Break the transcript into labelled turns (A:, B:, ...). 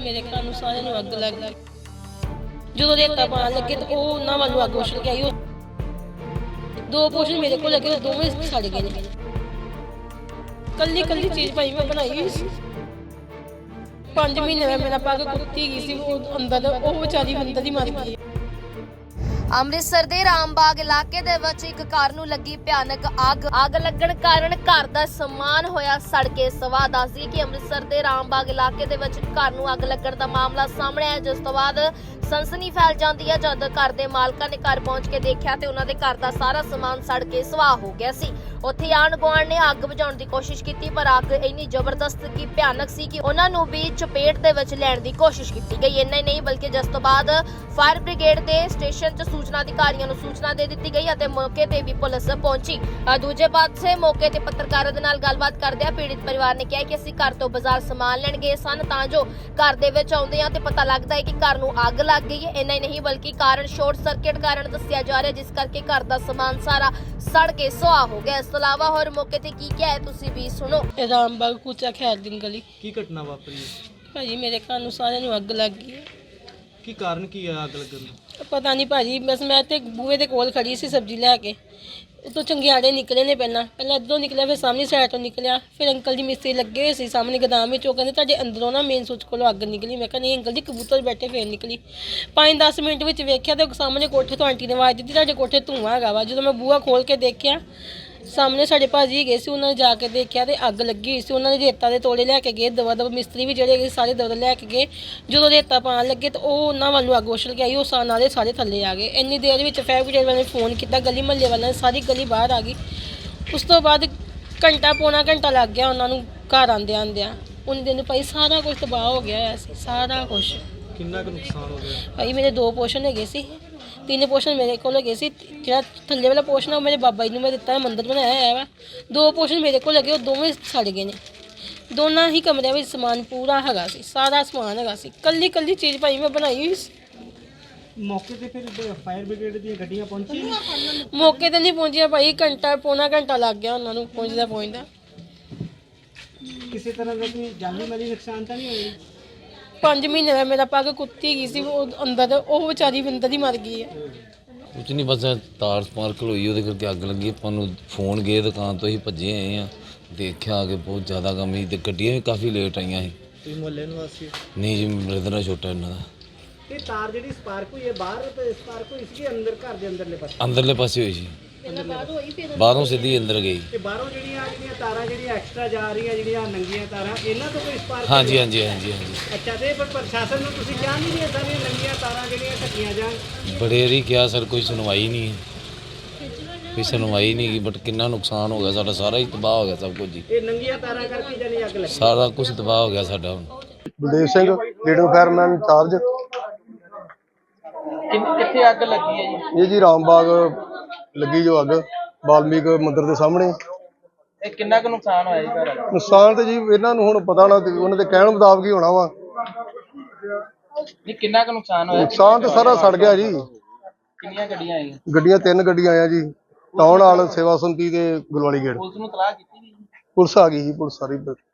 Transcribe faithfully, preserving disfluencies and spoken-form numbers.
A: ਮੇਰੇ ਘਰ ਨੂੰ ਸਾਰਿਆਂ ਨੂੰ ਅੱਗ ਲੱਗ ਗਈ। ਜਦੋਂ ਰੇਤਾ ਪਾਣ ਲੱਗੇ ਤਾਂ ਉਹ ਉਹਨਾਂ ਵੱਲੋਂ ਅੱਗ ਉਛਲ ਕੇ ਆਈ। ਉਹ ਦੋ ਪੋਸ਼ਨ ਮੇਰੇ ਕੋਲ ਲੱਗੇ, ਦੋਵੇਂ ਸੜ ਗਏ ਨੇ। ਕੱਲੀ ਕੱਲੀ ਚੀਜ਼ ਭਾਈ ਮੈਂ ਬਣਾਈ ਹੋਈ ਸੀ। ਪੰਜ ਮਹੀਨੇ ਦਾ ਮੇਰਾ ਪੱਗ ਕੁੱਤੀ ਗਈ ਸੀ, ਉਹ ਅੰਦਰ ਉਹ ਵਿਚਾਰੀ ਅੰਦਰ ਹੀ ਮਰ ਗਈ।
B: ਅੰਮ੍ਰਿਤਸਰ ਦੇ ਰਾਮਬਾਗ ਇਲਾਕੇ ਦੇ ਵਿੱਚ ਇੱਕ ਕਾਰ ਨੂੰ ਲੱਗੀ ਭਿਆਨਕ ਅੱਗ ਅੱਗ ਲੱਗਣ ਕਾਰਨ ਘਰ ਦਾ ਸਮਾਨ ਹੋਇਆ ਸੜ ਕੇ ਸਵਾਹ। ਦੱਸਦੀ ਕਿ ਅੰਮ੍ਰਿਤਸਰ ਦੇ ਰਾਮਬਾਗ ਇਲਾਕੇ ਦੇ ਵਿੱਚ ਘਰ ਨੂੰ ਅੱਗ ਲੱਗਣ ਦਾ ਮਾਮਲਾ ਸਾਹਮਣੇ ਆਇਆ, ਜਿਸ ਤੋਂ ਬਾਅਦ ਸਨਸਨੀ ਫੈਲ ਜਾਂਦੀ ਹੈ। ਜਦ ਘਰ ਦੇ ਮਾਲਕਾਂ ਨੇ ਘਰ ਪਹੁੰਚ ਕੇ ਦੇਖਿਆ ਤੇ ਉਹਨਾਂ ਦੇ ਘਰ ਦਾ ਸਾਰਾ ਸਮਾਨ ਸੜ ਕੇ ਸਵਾਹ ਹੋ ਗਿਆ ਸੀ। ਉੱਥੇ ਆਂਢ ਗੁਆਂਢ ਨੇ ਅੱਗ ਬੁਝਾਉਣ ਦੀ ਕੋਸ਼ਿਸ਼ ਕੀਤੀ, ਪਰ ਅੱਗ ਇੰਨੀ ਜ਼ਬਰਦਸਤ ਕਿ ਭਿਆਨਕ ਸੀ ਕਿ ਉਹਨਾਂ ਨੂੰ ਵੀ ਚਪੇਟ ਦੇ ਵਿੱਚ ਲੈਣ ਦੀ ਕੋਸ਼ਿਸ਼ ਕੀਤੀ ਗਈ। ਇੰਨਾ ਹੀ ਨਹੀਂ ਬਲਕਿ ਜਿਸ ਤੋਂ ਬਾਅਦ ਫਾਇਰ ਬ੍ਰਿਗੇਡ ਦੇ ਸਟੇਸ਼ਨ 'ਚ ਸੂਚਨਾ ਅਧਿਕਾਰੀਆਂ ਨੂੰ ਸੂਚਨਾ ਦੇ ਦਿੱਤੀ ਗਈ ਅਤੇ ਮੌਕੇ ਤੇ ਵੀ ਪੁਲਿਸ ਪਹੁੰਚੀ। ਦੂਜੇ ਪਾਸੇ ਮੌਕੇ ਤੇ ਪੱਤਰਕਾਰਾਂ ਦੇ ਨਾਲ ਗੱਲਬਾਤ ਕਰਦਿਆਂ ਪੀੜਿਤ ਪਰਿਵਾਰ ਨੇ ਕਿਹਾ ਕਿ ਅਸੀਂ ਘਰ ਤੋਂ ਬਾਜ਼ਾਰ ਸਮਾਨ ਲੈਣ ਗਏ ਸਨ, ਤਾਂ ਜੋ ਘਰ ਦੇ ਵਿੱਚ ਆਉਂਦੇ ਆ ਤੇ ਪਤਾ ਲੱਗਦਾ ਹੈ ਕਿ ਘਰ ਨੂੰ ਅੱਗ ਲੱਗ ਗਈ ਹੈ। ਇੰਨਾ ਹੀ ਨਹੀਂ ਬਲਕਿ ਕਾਰਨ ਸ਼ਾਰਟ ਸਰਕਟ ਕਾਰਨ ਦੱਸਿਆ ਜਾ ਰਿਹਾ, ਜਿਸ ਕਰਕੇ ਘਰ ਦਾ ਸਮਾਨ ਸਾਰਾ ਸੜ ਕੇ ਸੁਆਹ ਹੋ ਗਿਆ। ਇਸ ਤੋਂ ਇਲਾਵਾ ਹੋਰ ਮੌਕੇ ਤੇ ਕੀ ਕਿਹਾ ਹੈ ਤੁਸੀਂ ਵੀ ਸੁਣੋ।
A: ਰਾਮਬਾਗ ਕੁਚਾ ਖੈਰ ਦਿਨ ਗਲੀ।
C: ਕੀ ਘਟਨਾ ਵਾਪਰੀ?
A: ਭਾਜੀ ਮੇਰੇ ਘਰ ਨੂੰ ਸਾਰਿਆਂ ਨੂੰ ਅੱਗ ਲੱਗ ਗਈ।
C: ਕੀ ਕਾਰਨ ਕੀ ਹੈ ਅੱਗ ਲੱਗਣ ਦਾ?
A: ਪਤਾ ਨਹੀਂ ਭਾਜੀ, ਬਸ ਮੈਂ ਤੇ ਬੂਹੇ ਦੇ ਕੋਲ ਖੜੀ ਸੀ ਸਬਜ਼ੀ ਲੈ ਕੇ। ਉਤੋਂ ਚੰਗਿਆੜੇ ਨਿਕਲੇ ਨੇ, ਪਹਿਲਾਂ ਪਹਿਲਾਂ ਇੱਧਰੋਂ ਨਿਕਲਿਆ, ਫਿਰ ਸਾਹਮਣੇ ਸਾਈਡ ਤੋਂ ਨਿਕਲਿਆ। ਫਿਰ ਅੰਕਲ ਜੀ ਮਿਸਤਰੀ ਲੱਗੇ ਹੋਏ ਸੀ ਸਾਹਮਣੇ ਗੋਦਾਮ ਵਿੱਚ, ਉਹ ਕਹਿੰਦੇ ਤੁਹਾਡੇ ਅੰਦਰੋਂ ਨਾ ਮੇਨ ਸੁੱਚ ਕੋਲੋਂ ਅੱਗ ਨਿਕਲੀ। ਮੈਂ ਕਿਹਾ ਨਹੀਂ ਅੰਕਲ ਜੀ, ਕਬੂਤਰ ਬੈਠੇ ਫੇਰ ਨਿਕਲੀ। ਪੰਜ ਦਸ ਮਿੰਟ ਵਿੱਚ ਵੇਖਿਆ ਤੇ ਸਾਹਮਣੇ ਕੋਠੇ ਤੋਂ ਆਂਟੀ ਨੇ ਆਵਾਜ਼ ਦਿੱਤੀ ਤੁਹਾਡੇ ਕੋਠੇ ਧੂੰਆਂ ਹੈਗਾ ਵਾ। ਜਦੋਂ ਮੈਂ ਬੂਹਾ ਖੋਲ ਕੇ ਦੇਖਿਆ ਸਾਹਮਣੇ ਸਾਡੇ ਭਾਜੀ ਗਏ ਸੀ, ਉਹਨਾਂ ਨੇ ਜਾ ਕੇ ਦੇਖਿਆ ਤੇ ਅੱਗ ਲੱਗੀ ਹੋਈ ਸੀ। ਉਹਨਾਂ ਨੇ ਰੇਤਾ ਦੇ ਤੋੜੇ ਲੈ ਕੇ ਗਏ, ਦਵਾ ਦਵਾ ਮਿਸਤਰੀ ਵੀ ਜਿਹੜੇ ਹੈਗੇ ਸਾਰੇ ਦਵਾ ਲੈ ਕੇ ਗਏ। ਜਦੋਂ ਰੇਤਾ ਪਾਣ ਲੱਗੇ ਤਾਂ ਉਹ ਉਹਨਾਂ ਵੱਲੋਂ ਅੱਗ ਉਛਲ ਕੇ ਆਈ। ਉਹ ਸਾ ਨਾਲੇ ਸਾਰੇ ਥੱਲੇ ਆ ਗਏ। ਇੰਨੀ ਦੇਰ ਵਿੱਚ ਫਾਇਰ ਬ੍ਰਿਗੇਡ ਵਾਲਿਆਂ ਨੇ ਫੋਨ ਕੀਤਾ, ਗਲੀ ਮਹੱਲੇ ਵਾਲਿਆਂ ਨੇ, ਸਾਰੀ ਗਲੀ ਬਾਹਰ ਆ ਗਈ। ਉਸ ਤੋਂ ਬਾਅਦ ਘੰਟਾ ਪੌਣਾ ਘੰਟਾ ਲੱਗ ਗਿਆ ਉਹਨਾਂ ਨੂੰ ਘਰ ਆਉਂਦਿਆਂ ਆਉਂਦਿਆਂ। ਉਹਨੇ ਦਿਨ ਭਾਈ ਸਾਰਾ ਕੁਝ ਤਬਾਹ ਹੋ ਗਿਆ ਹੋਇਆ ਸੀ, ਸਾਰਾ ਕੁਛ।
C: ਕਿੰਨਾ ਕੁ ਨੁਕਸਾਨ ਹੋ ਗਿਆ?
A: ਭਾਈ ਮੇਰੇ ਦੋ ਪੋਸ਼ਨ ਹੈਗੇ ਸੀ, ਤਿੰਨ ਪੋਸ਼ਨ ਮੇਰੇ ਕੋਲ ਹੈਗੇ ਸੀ। ਜਿਹੜਾ ਥੱਲੇ ਵਾਲਾ ਪੋਸ਼ਨ ਉਹ ਮੇਰੇ ਬਾਬਾ ਜੀ ਨੂੰ ਮੈਂ ਦਿੱਤਾ, ਮੰਦਿਰ ਬਣਾਇਆ ਹੋਇਆ ਵਾ। ਦੋ ਪੋਸ਼ਨ ਮੇਰੇ ਕੋਲ ਲੱਗੇ, ਉਹ ਦੋਵੇਂ ਸੜ ਗਏ ਨੇ। ਦੋਨਾਂ ਹੀ ਕਮਰਿਆਂ ਵਿੱਚ ਸਮਾਨ ਪੂਰਾ ਹੈਗਾ ਸੀ, ਸਾਰਾ ਸਮਾਨ ਹੈਗਾ ਸੀ। ਕੱਲੀ ਕੱਲੀ ਚੀਜ਼ ਭਾਈ ਮੈਂ ਬਣਾਈ ਹੋਈ ਸੀ।
C: ਮੌਕੇ ਤੇ ਫਿਰ ਫਾਇਰ ਬ੍ਰਿਗੇਡ ਦੀਆਂ ਗੱਡੀਆਂ ਪਹੁੰਚੀਆਂ?
A: ਮੌਕੇ ਤੇ ਨਹੀਂ ਪਹੁੰਚੀਆਂ ਭਾਈ, ਘੰਟਾ ਪੌਣਾ ਘੰਟਾ ਲੱਗ ਗਿਆ ਉਹਨਾਂ ਨੂੰ ਪਹੁੰਚਦਾ ਪਹੁੰਚਦਾ।
C: ਕਿਸੇ ਤਰ੍ਹਾਂ ਦਾ ਕੋਈ ਜਾਨੀ ਮਾਲੀ ਨੁਕਸਾਨ ਤਾਂ ਨਹੀਂ ਹੋਇਆ?
A: ਪੰਜ ਮਹੀਨੇ ਦਾ ਮੇਰਾ ਪੱਗ ਕੁੱਤੀ ਗਈ ਸੀ, ਉਹ ਅੰਦਰ ਉਹ ਵਿਚਾਰੀ ਅੰਦਰ ਹੀ ਮਰ ਗਈ ਹੈ।
D: ਕੁਝ ਨਹੀਂ, ਬਸ ਤਾਰ ਸਪਾਰਕਲ ਹੋਈ, ਉਹਦੇ ਕਰਕੇ ਅੱਗ ਲੱਗੀ। ਆਪਾਂ ਨੂੰ ਫੋਨ ਗਏ ਦੁਕਾਨ ਤੋਂ, ਹੀ ਭੱਜੇ ਆਏ ਆ। ਦੇਖਿਆ ਕਿ ਬਹੁਤ ਜ਼ਿਆਦਾ ਕੰਮ ਸੀ ਤੇ ਗੱਡੀਆਂ ਵੀ ਕਾਫੀ ਲੇਟ ਆਈਆਂ ਸੀ।
C: ਤੁਸੀਂ ਮੁਹੱਲੇ ਨਿਵਾਸੀ?
D: ਨਹੀਂ ਜੀ, ਬ੍ਰਦਰ ਛੋਟਾ ਇਹਨਾਂ ਦਾ।
C: ਇਹ ਤਾਰ ਜਿਹੜੀ ਸਪਾਰਕ ਹੋਈ ਹੈ ਬਾਹਰ ਤੇ ਸਪਾਰਕ ਹੋਈ ਸੀ ਅੰਦਰ ਘਰ ਦੇ ਅੰਦਰਲੇ ਪਾਸੇ?
D: ਅੰਦਰਲੇ ਪਾਸੇ ਹੋਈ ਸੀ, ਬਾਹਰੋਂ ਸਿੱਧੀ ਅੰਦਰ ਗਈ।
C: ਤੇ ਬਾਹਰੋਂ ਜਿਹੜੀਆਂ ਜਿਹੜੀਆਂ ਤਾਰਾਂ ਜਿਹੜੀਆਂ ਐਕਸਟਰਾ ਜਾ ਰਹੀਆਂ, ਜਿਹੜੀਆਂ ਨੰਗੀਆਂ ਤਾਰਾਂ, ਇਹਨਾਂ ਤੋਂ ਕੋਈ ਸਪਾਰਕ?
D: ਹਾਂਜੀ ਹਾਂਜੀ ਹਾਂਜੀ ਹਾਂਜੀ।
C: ਅੱਛਾ, ਤੇ ਪਰ ਪ੍ਰਸ਼ਾਸਨ ਨੂੰ ਤੁਸੀਂ ਕਿਹਾ ਨਹੀਂ ਵੀ ਇਦਾਂ ਦੀਆਂ ਨੰਗੀਆਂ ਤਾਰਾਂ ਜਿਹੜੀਆਂ ਢੱਕੀਆਂ ਜਾਣ?
D: ਬੜੇ ਵਾਰੀ ਕਿਹਾ ਸਰ, ਕੋਈ ਸੁਣਵਾਈ ਨਹੀਂ, ਕੋਈ ਸੁਣਵਾਈ ਨਹੀਂ ਗਈ। ਬਟ ਕਿੰਨਾ ਨੁਕਸਾਨ ਹੋ ਗਿਆ ਸਾਡਾ, ਸਾਰਾ ਹੀ ਤਬਾਹ ਹੋ ਗਿਆ ਸਭ ਕੁਝ ਜੀ।
C: ਇਹ ਨੰਗੀਆਂ ਤਾਰਾਂ ਕਰਕੇ ਜਾਨੀ ਅੱਗ ਲੱਗੀ?
D: ਸਾਰਾ ਕੁਝ ਤਬਾਹ ਹੋ ਗਿਆ ਸਾਡਾ। ਹੁਣ
E: Baldev Singh leader fireman incharge.
C: ਕਿੱਥੇ ਅੱਗ ਲੱਗੀ ਹੈ ਜੀ?
E: ਇਹ ਜੀ ਰਾਮਬਾਗ ਲੱਗੀ ਜੋ ਅੱਗ, ਵਾਲਮੀਕ ਮੰਦਿਰ ਦੇ ਸਾਹਮਣੇ।
C: ਇਹ ਕਿੰਨਾ ਕੁ ਨੁਕਸਾਨ ਹੋਇਆ ਜੀ ਘਰ?
E: ਨੁਕਸਾਨ ਤੇ ਜੀ ਇਹਨਾਂ ਨੂੰ ਹੁਣ ਪਤਾ ਨਾ, ਉਹਨਾਂ ਦੇ ਕਹਿਣ ਮੁਤਾਬਕ ਹੀ ਹੋਣਾ ਵਾ।
C: ਨਹੀਂ, ਕਿੰਨਾ ਕੁ ਨੁਕਸਾਨ ਹੋਇਆ?
E: ਨੁਕਸਾਨ ਤੇ ਸਾਰਾ ਸੜ ਗਿਆ ਜੀ।
C: ਕਿੰਨੀਆਂ ਗੱਡੀਆਂ ਆਈਆਂ?
E: ਗੱਡੀਆਂ ਤਿੰਨ ਗੱਡੀਆਂ ਆਈਆਂ ਜੀ, ਟਾਊਨ ਹਾਲ, ਸੇਵਾ ਸੁੰਤੀ ਤੇ ਗੁਲਵਾਲੀ ਗੇਟ।
C: ਪੁਲਿਸ ਨੂੰ ਤਲਾਹ ਕੀਤੀ ਜੀ?
E: ਪੁਲਿਸ ਆ ਗਈ ਜੀ, ਪੁਲਿਸ ਸਾਰੀ।